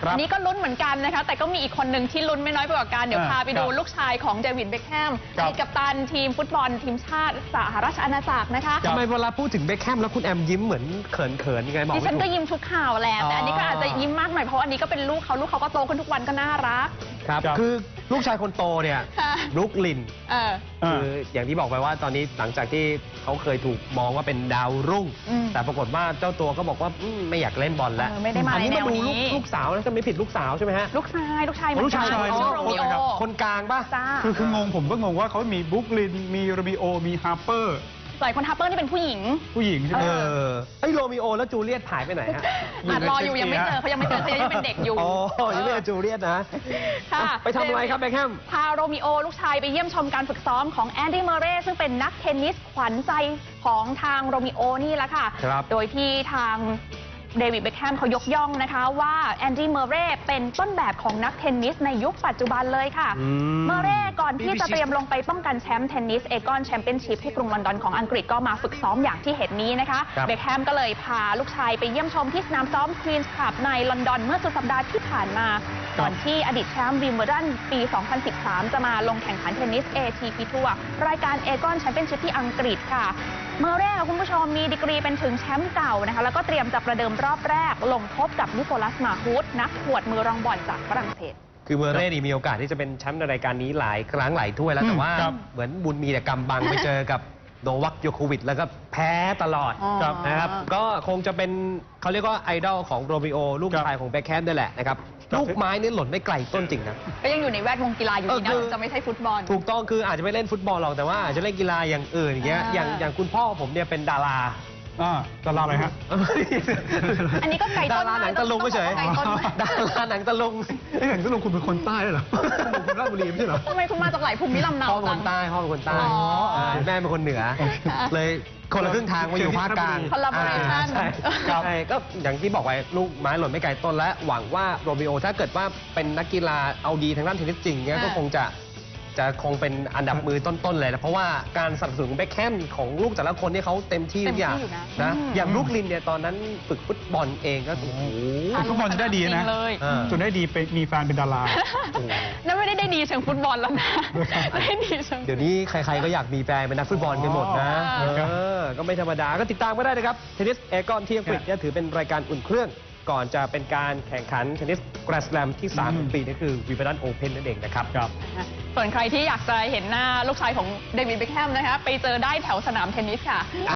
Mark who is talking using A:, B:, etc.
A: อันนี้ก็ลุ้นเหมือนกันนะคะแต่ก็มีอีกคนหนึ่งที่ลุ้นไม่น้อยไปกว่ากันเดี๋ยวพาไปดูลูกชายของเดวิดเบ็คแฮมอดีตกัปตันทีมฟุตบอลทีมชาติสหราชอาณาจักรนะคะ
B: ทำไมเวลาพูดถึงเบ็คแฮมแล้วคุณแอมยิ้มเหมือนเขินยังไงบอกไม่ถูก
A: ดิฉันก็ยิ้มทุกข่าวแหละแต่อันนี้ก็อาจจะยิ้มมากหน่อยเพราะอันนี้ก็เป็นลูกเขาก็โตขึ้นทุกวันก็น่ารัก
B: ครับคือลูกชายคนโตเนี่ยบรุกลินคืออย่างที่บอกไปว่าตอนนี้หลังจากที่เขาเคยถูกมองว่าเป็นดาวรุ่งแต่ปรากฏว่าเจ้าตัวก็บอกว่าไม่อยากเล่นบอลแล้ว
A: ไม่ได้มาในแนวนี้
B: ลูกสาวนะจะไม่ผิดลูกสาวใช่ไหมฮะ
A: ลูกชาย
B: คนกลางป่ะ
C: คืองงผมก็งงว่าเขามีบรุกลินมีโรมิโอมีฮาร์เปอร์
A: หลายคนฮาร์เปอร์นี่เป็นผู้หญิง
C: ใช่ไหม
B: ไอ้โรมิโอแล้วจูเลียตหายไปไหนฮะ
A: รออยู่ยังไม่เจอเขายังเป็นเด็กอยู่
B: อ๋อยังไม่เจอจูเลียตนะไปทำอะไรครับเบ็คแฮม
A: พาโรมิโอลูกชายไปเยี่ยมชมการฝึกซ้อมของแอนดี้เมอร์เรย์ซึ่งเป็นนักเทนนิสขวัญใจของทางโรมิโอนี่แหละค่ะโดยที่ทางเดวิดเบ็คแฮมเขายกย่องนะคะว่าแอนดี้เมอร์เรย์เป็นต้นแบบของนักเทนนิสในยุคปัจจุบันเลยค่ะเมอร์เรย์ก่อนที่จะเตรียมลงไปป้องกันแชมป์เทนนิสเอกอนแชมเปี้ยนชิพที่กรุงลอนดอนของอังกฤษก็มาฝึกซ้อมอย่างที่เห็นนี้นะคะเบ็คแฮมก็เลยพาลูกชายไปเยี่ยมชมที่สนามซ้อมควีนส์คลับในลอนดอนเมื่อสุดสัปดาห์ที่ผ่านมาก่อนที่อดีตแชมป์วิมเบิลดันปี 2013 จะมาลงแข่งขันเทนนิส ATP ทัวร์รายการเอกอนแชมเปี้ยนชิพที่อังกฤษค่ะเมอร์เรย์คุณผู้ชมมีดีกรีเป็นถึงแชมป์เก่านะคะแล้วก็เตรียมจะประเดิมรอบแรกลงพบกับนิโคลัสมาฮูดนักขวดมือรองบอลจากฝรั่งเศส
B: คือเมอร์เรย์มีโอกาสที่จะเป็นแชมป์ในรายการนี้หลายครั้งหลายถ้วยแล้วแต่ว่าเหมือนบุญมีแต่กำบังไปเจอกับโนวัคโยโควิชแล้วก็แพ้ตลอดนะครับก็คงจะเป็นเขาเรียกว่าไอดอลของโรมิโอลูกชายของเบ็คแฮมด้วยแหละนะครับลูกไม้นี่หล่นไม่ไกลต้นจริงนะ
A: ก็ยังอยู่ในแวดวงกีฬาอยู่ดีนะจะไม่ใช่ฟุตบอล
B: ถูกต้องคืออาจจะไม่เล่นฟุตบอลหรอกแต่ว่าอาจจะเล่นกีฬาอย่างอื่นอย่างเงี้ยอย่างคุณพ่อผมเนี่ยเป็นดารา
C: ดาราอะไรฮะ
A: อันนี้ก็ไก่ต้น
B: ดาราหนังตะลุงก็เฉยดาราหนังตะลุง
C: หนังตะลุงคุณเป็นคนใต้เหรอคุณราชบุรีไม่ใช่เหรอ
A: ทำไมคุณมาจากไหนภูมิลำเนา
B: พ่อเป็นคนใต้พ่อเป็นคนใต้แม่เป็นคนเหนือเลยคนละครึ่งทางมาอยู่ภาคกลาง
A: คอลลาบอเรชั่น
B: ใช่ก็อย่างที่บอกไว้ลูกไม้หล่นไม่ไกลต้นและหวังว่าโรมิโอถ้าเกิดว่าเป็นนักกีฬาเอาดีทางด้านเทนนิสจริงเนี่ยก็คงจะเป็นอันดับมือต้นๆเลยนะเพราะว่าการสนับสนุนเบ็คแฮมของลูกแต่ละคนนี่เขาเต็มที่ทุกอย่างนะอย่างบรุกลินเนี่ยตอนนั้นฝึกฟุตบอลเองก็โอ้โห
C: ฟุตบอลจะได้ดีนะจนได้ดีไปมีแฟนเป็นดารา
A: นั่นไม่ได้ดีเชิงฟุตบอลแล้วนะได้ดีเชิง
B: เดี๋ยวนี้ใครๆก็อยากมีแฟนเป็นนักฟุตบอลกันหมดนะก็ไม่ธรรมดาก็ติดตามก็ได้นะครับเทนนิสเอกอนที่อังกฤษเนี่ยถือเป็นรายการอุ่นเครื่องก่อนจะเป็นการแข่งขันเทนนิสแกรนด์สแลมที่3ของปีนี่คือวิมเบิลดันโอเพ่นนั่นเองนะครับ
A: ส่วนใครที่อยากจะเห็นหน้าลูกชายของเดวิดเบ็คแฮมนะคะไปเจอได้แถวสนามเทนนิสค่ะ